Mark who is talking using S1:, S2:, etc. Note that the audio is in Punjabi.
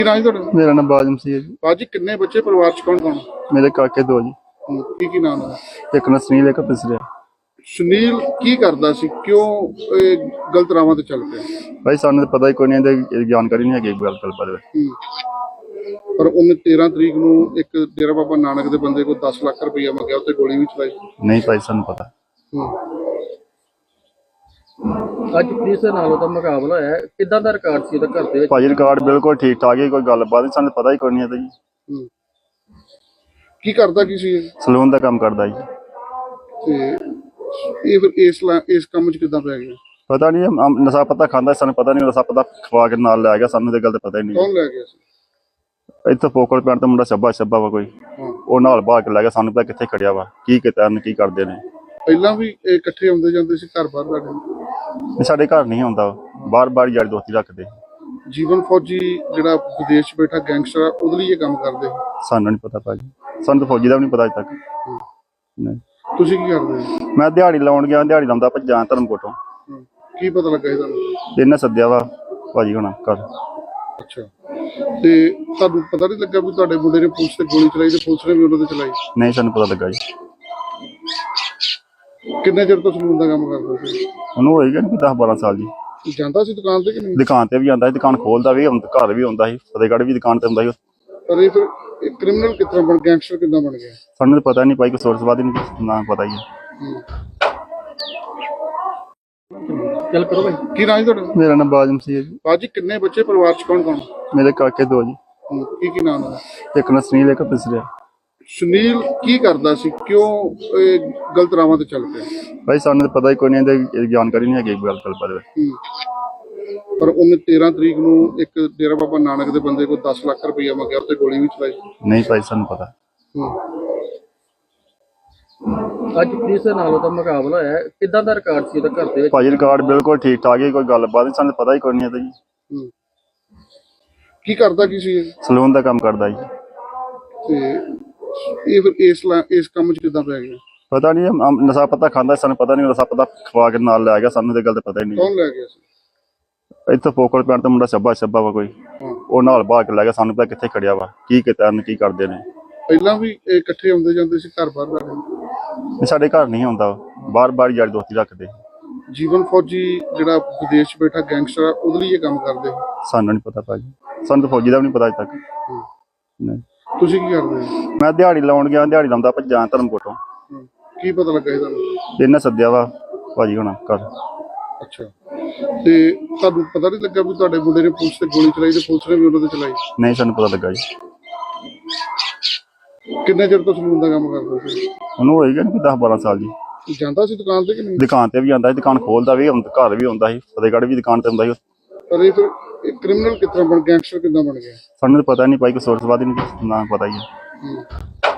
S1: ਕੀ ਨਾਂ ਜੀ ਤੁਹਾਡਾ?
S2: ਮੇਰਾ ਨਾਮ ਬਾਜਮ ਸੀ ਜੀ।
S1: ਬਾਜੀ ਕਿੰਨੇ ਬੱਚੇ ਪਰਿਵਾਰ ਚ ਕੌਣ ਕੌਣ?
S2: ਮੇਰੇ ਕਾਕੇ ਦੋ ਜੀ।
S1: ਕੀ ਨਾਮ ਹੈ?
S2: ਇੱਕ ਨਾ ਸੁਨੀਲ, ਇੱਕ ਪਿਸਰਿਆ।
S1: ਸੁਨੀਲ ਕੀ ਕਰਦਾ ਸੀ? ਕਿਉਂ ਇਹ ਗਲਤ ਰਾਵਾਂ ਤੇ ਚੱਲ ਪਿਆ?
S2: ਭਾਈ ਸਾਨੂੰ ਤਾਂ ਪਤਾ ਹੀ ਕੋਈ ਨਹੀਂ, ਇਹਦੀ ਜਾਣਕਾਰੀ ਨਹੀਂ ਹੈਗੀ ਗੱਲ ਬਾਰੇ।
S1: ਪਰ ਉਹਨੇ 13 ਤਰੀਕ ਨੂੰ ਇੱਕ ਡੇਰਾ ਬਾਬਾ ਨਾਨਕ ਦੇ ਬੰਦੇ ਕੋਲ 10 ਲੱਖ ਰੁਪਈਆ ਮੰਗਿਆ, ਉੱਤੇ ਗੋਲੀ ਵੀ ਚਲਾਈ।
S2: ਨਹੀਂ ਭਾਈ ਸਾਨੂੰ ਪਤਾ।
S3: ਅੱਜ ਪੁਲਿਸ ਦੇ ਨਾਲ ਉਹਦਾ ਮੁਕਾਬਲਾ ਹੋਇਆ, ਕਿੱਦਾਂ ਦਾ ਰਿਕਾਰਡ ਸੀ ਉਹਦਾ ਘਰ ਦੇ ਵਿੱਚ?
S2: ਭਾਜੀ ਰਿਕਾਰਡ ਬਿਲਕੁਲ ਠੀਕ ਠਾਕ ਹੈ, ਕੋਈ ਗੱਲਬਾਤ ਨਹੀਂ, ਸਾਨੂੰ ਪਤਾ ਹੀ ਕੋਈ ਨਹੀਂ ਇਹਦਾ ਜੀ।
S1: ਕੀ ਕਰਦਾ ਕੀ ਸੀ ਇਹ?
S2: ਸਲੂਨ ਦਾ ਕੰਮ ਕਰਦਾ ਜੀ।
S1: ਤੇ ਇਹ ਫਿਰ ਇਸ ਕੰਮ ਚ ਕਿੱਦਾਂ ਪੈ ਗਿਆ?
S2: ਪਤਾ ਨਹੀਂ, ਨਸ਼ਾ ਪਤਾ ਖਾਂਦਾ, ਸਾਨੂੰ ਪਤਾ ਨਹੀਂ, ਨਸ਼ਾ ਪਤਾ ਖਵਾ ਕੇ ਨਾਲ ਲੈ ਗਿਆ, ਸਾਨੂੰ ਤੇ ਗੱਲ ਤਾਂ ਪਤਾ ਹੀ ਨਹੀਂ।
S1: ਕੌਣ ਲੈ ਗਿਆ ਸੀ?
S2: ਇੱਥੇ ਪੋਕਲ ਪਿੰਡ ਤੋਂ ਮੁੰਡਾ ਛੱਬਾ ਵਾ ਕੋਈ, ਉਹ ਨਾਲ ਬਾਹਰ ਕੇ ਲੈ ਗਿਆ, ਸਾਨੂੰ ਪਤਾ ਕਿੱਥੇ ਖੜਿਆ ਵਾ, ਕੀ ਕੀਤਾ ਕੀ ਕਰਦੇ ਨੇ।
S1: ਪਹਿਲਾਂ ਵੀ ਇਹ ਇਕੱਠੇ ਆਉਂਦੇ ਜਾਂਦੇ ਸੀ ਘਰ ਬਾਹਰ ਸਾਡੇ?
S2: ਸਾਡੇ ਘਰ ਨਹੀਂ ਆਉਂਦਾ, ਬਾਰ ਯਾਰੀ ਦੋਸਤੀ ਰੱਖਦੇ।
S1: ਜੀਵਨ ਫੌਜੀ ਜਿਹੜਾ ਵਿਦੇਸ਼ ਚ ਬੈਠਾ ਗੈਂਗਸਟਰ ਆ, ਉਹਦੇ ਲਈ ਇਹ ਕੰਮ ਕਰਦੇ?
S2: ਸਾਨੂੰ ਨਹੀਂ ਪਤਾ ਭਾਜੀ, ਸਾਨੂੰ ਤਾਂ ਫੌਜੀ ਦਾ ਵੀ ਨਹੀਂ ਪਤਾ ਅਜੇ ਤੱਕ। ਨਹੀਂ।
S1: ਤੁਸੀਂ ਕੀ ਕਰਦੇ ਹੋ?
S2: ਮੈਂ ਦਿਹਾੜੀ ਲਾਉਣ ਗਿਆ, ਦਿਹਾੜੀ ਲਾਉਂਦਾ ਭੱਜਾਂ ਧਰਮਕੋਟੋਂ।
S1: ਕੀ ਪਤਾ ਲੱਗਾ ਇਹ ਤੁਹਾਨੂੰ?
S2: ਇਹਨੇ ਸੱਦਿਆ ਵਾ ਭਾਜੀ ਹੁਣ ਘਰ।
S1: ਅੱਛਾ, ਤੇ ਤੁਹਾਨੂੰ ਪਤਾ ਨਹੀਂ ਲੱਗਾ ਵੀ ਤੁਹਾਡੇ ਮੁੰਡੇ ਨੇ ਪੁਲਿਸ ਤੇ ਗੋਲੀ ਚਲਾਈ ਤੇ ਪੁਲਿਸ ਨੇ ਵੀ ਉਹਨਾਂ ਤੇ ਚਲਾਈ?
S2: ਨਹੀਂ ਸਾਨੂੰ ਪਤਾ ਲੱਗਾ ਜੀ।
S1: ਕਿੰਨੇ ਚਿਰ ਤੋਂ ਸਲੂਨ ਦਾ ਕੰਮ ਕਰਦਾ ਸੀ?
S2: ਉਹਨੂੰ ਹੋਏਗਾ ਨਹੀਂ 10-12 ਸਾਲ ਜੀ।
S1: ਜਾਂਦਾ ਸੀ ਦੁਕਾਨ ਤੇ ਕਿ ਨਹੀਂ?
S2: ਦੁਕਾਨ ਤੇ ਵੀ ਜਾਂਦਾ ਸੀ, ਦੁਕਾਨ ਖੋਲਦਾ ਵੀ, ਘਰ ਵੀ ਆਉਂਦਾ ਸੀ, ਫਤਿਹਗੜ੍ਹ ਵੀ ਦੁਕਾਨ ਤੇ ਹੁੰਦਾ ਸੀ।
S1: ਪਰ ਇਹ ਫਿਰ ਕ੍ਰਿਮੀਨਲ ਕਿਸ ਤਰ੍ਹਾਂ ਗੈਂਗਸਟਰ ਕਿੱਦਾਂ ਬਣ ਗਿਆ?
S2: ਸਾਨੂੰ ਤਾਂ ਪਤਾ ਨਹੀਂ ਭਾਈ, ਕੋਈ ਸੋਰਸਵਾਦ ਹੀ ਨਹੀਂ, ਨਾ ਪਤਾ ਹੀ ਹੈ।
S3: ਚੱਲ ਕਰੋ ਭਾਈ।
S1: ਕੀ ਨਾਂ ਜੀ ਤੁਹਾਡਾ?
S2: ਮੇਰਾ ਨਾਮ ਬਾਜਮ ਸੀ ਜੀ।
S1: ਬਾਜੀ ਕਿੰਨੇ ਬੱਚੇ ਪਰਿਵਾਰ ਚ ਕੌਣ ਕੌਣ?
S2: ਮੇਰੇ ਕਾਕੇ ਦੋ ਜੀ।
S1: ਕੀ ਨਾਮ ਹੈ?
S2: ਇੱਕ ਨਾ ਸੁਨੀਲ, ਇੱਕ ਪਿਸਰਿਆ।
S1: ਸੁਨੀਲ ਕੀ ਕਰਦਾ ਸੀ? ਕਿਉਂ ਇਹ ਗਲਤ ਰਾਵਾਂ ਤੇ ਚੱਲ ਪਿਆ?
S2: ਭਾਈ ਸਾਨੂੰ ਤਾਂ ਪਤਾ ਹੀ ਕੋਈ ਨਹੀਂ, ਇਹਦੀ ਜਾਣਕਾਰੀ ਨਹੀਂ ਹੈਗੀ ਗੱਲ ਬਾਰੇ।
S1: ਪਰ ਉਹਨੇ 13 ਤਰੀਕ ਨੂੰ ਇੱਕ ਡੇਰਾ ਬਾਬਾ ਨਾਨਕ ਦੇ ਬੰਦੇ ਕੋਲ 10 ਲੱਖ ਰੁਪਈਆ ਮੰਗਿਆ, ਉੱਤੇ ਗੋਲੀ ਵੀ ਚਲਾਈ।
S2: ਨਹੀਂ ਭਾਈ ਸਾਨੂੰ ਪਤਾ।
S3: ਅੱਜ ਪੁਲਿਸ ਦੇ ਨਾਲ ਉਹਦਾ ਮੁਕਾਬਲਾ ਹੋਇਆ, ਕਿੱਦਾਂ ਦਾ ਰਿਕਾਰਡ ਸੀ ਉਹਦਾ ਘਰ ਦੇ ਵਿੱਚ?
S2: ਭਾਜੀ ਰਿਕਾਰਡ ਬਿਲਕੁਲ ਠੀਕ ਠਾਕ ਹੈ, ਕੋਈ ਗੱਲਬਾਤ ਨਹੀਂ, ਸਾਨੂੰ ਪਤਾ ਹੀ ਕੋਈ ਨਹੀਂ ਇਹਦਾ ਜੀ।
S1: ਕੀ ਕਰਦਾ ਕੀ ਸੀ ਇਹ?
S2: ਸਲੂਨ ਦਾ ਕੰਮ ਕਰਦਾ ਜੀ।
S1: ਤੇ ਇਹ ਫਿਰ ਇਸ ਕੰਮ ਚ ਕਿੱਦਾਂ ਪੈ ਗਿਆ?
S2: ਪਤਾ ਨਹੀਂ, ਨਸ਼ਾ ਪਤਾ ਖਾਂਦਾ, ਸਾਨੂੰ ਪਤਾ ਨਹੀਂ, ਨਸ਼ਾ ਪਤਾ ਖਵਾ ਕੇ ਨਾਲ ਲੈ ਗਿਆ, ਸਾਨੂੰ ਤੇ ਗੱਲ ਤਾਂ ਪਤਾ ਹੀ ਨਹੀਂ।
S1: ਕੌਣ ਲੈ ਗਿਆ ਸੀ?
S2: ਇੱਥੇ ਪੋਕਲ ਪਿੰਡ ਤੋਂ ਮੁੰਡਾ ਛੱਬਾ ਵਾ ਕੋਈ, ਉਹ ਨਾਲ ਬਾਹਰ ਕੇ ਲੈ ਗਿਆ, ਸਾਨੂੰ ਪਤਾ ਕਿੱਥੇ ਖੜਿਆ ਵਾ, ਕੀ ਕੀਤਾ ਕੀ ਕਰਦੇ ਨੇ।
S1: ਪਹਿਲਾਂ ਵੀ ਇਹ ਇਕੱਠੇ ਆਉਂਦੇ ਜਾਂਦੇ ਸੀ ਘਰ ਬਾਹਰ ਸਾਡੇ?
S2: ਸਾਡੇ ਘਰ ਨਹੀਂ ਆਉਂਦਾ, ਬਾਰ ਯਾਰੀ ਦੋਸਤੀ ਰੱਖਦੇ।
S1: ਜੀਵਨ ਫੌਜੀ ਜਿਹੜਾ ਵਿਦੇਸ਼ ਚ ਬੈਠਾ ਗੈਂਗਸਟਰ ਆ, ਉਹਦੇ ਲਈ ਇਹ ਕੰਮ ਕਰਦੇ?
S2: ਸਾਨੂੰ ਨਹੀਂ ਪਤਾ ਭਾਜੀ, ਸਾਨੂੰ ਤਾਂ ਫੌਜੀ ਦਾ ਵੀ ਨਹੀਂ ਪਤਾ ਅਜੇ ਤੱਕ। ਨਹੀਂ।
S1: ਤੁਸੀਂ ਕੀ ਕਰਦੇ ਹੋ?
S2: ਮੈਂ ਦਿਹਾੜੀ ਲਾਉਣ ਗਿਆ, ਦਿਹਾੜੀ ਲਾਉਂਦਾ ਭੱਜਾਂ ਧਰਮਕੋਟੋਂ।
S1: ਕੀ ਪਤਾ ਲੱਗਾ ਇਹ ਤੁਹਾਨੂੰ?
S2: ਇਹਨੇ ਸੱਦਿਆ ਵਾ ਭਾਜੀ ਹੁਣ ਘਰ।
S1: ਅੱਛਾ, ਤੇ ਤੁਹਾਨੂੰ ਪਤਾ ਨਹੀਂ ਲੱਗਾ ਵੀ ਤੁਹਾਡੇ ਮੁੰਡੇ ਨੇ ਪੁਲਿਸ ਤੇ ਗੋਲੀ ਚਲਾਈ ਤੇ ਪੁਲਿਸ ਨੇ ਵੀ ਉਹਨਾਂ ਤੇ ਚਲਾਈ?
S2: ਨਹੀਂ ਸਾਨੂੰ ਪਤਾ ਲੱਗਾ ਜੀ।
S1: ਕਿੰਨੇ ਚਿਰ ਤੋਂ ਸਲੂਨ ਦਾ ਕੰਮ ਕਰਦਾ ਸੀ?
S2: ਉਹਨੂੰ ਹੋਏਗਾ ਨਹੀਂ 10-12 ਸਾਲ ਜੀ।
S1: ਜਾਂਦਾ ਸੀ ਦੁਕਾਨ ਤੇ ਕਿ ਨਹੀਂ?
S2: ਦੁਕਾਨ ਤੇ ਵੀ ਜਾਂਦਾ ਸੀ, ਦੁਕਾਨ ਖੋਲਦਾ ਵੀ, ਘਰ ਵੀ ਆਉਂਦਾ ਸੀ, ਫਤਿਹਗੜ੍ਹ ਵੀ ਦੁਕਾਨ ਤੇ ਹੁੰਦਾ ਸੀ।
S1: ਪਰ ਇਹ ਫਿਰ ਕ੍ਰਿਮੀਨਲ ਕਿਸ ਤਰ੍ਹਾਂ ਗੈਂਗਸਟਰ ਕਿੱਦਾਂ ਬਣ ਗਿਆ?
S2: ਸਾਨੂੰ ਤਾਂ ਪਤਾ ਨਹੀਂ ਭਾਈ, ਕੋਈ ਸੋਰਸਵਾਦ ਹੀ ਨਹੀਂ, ਨਾ ਪਤਾ ਹੀ ਹੈ।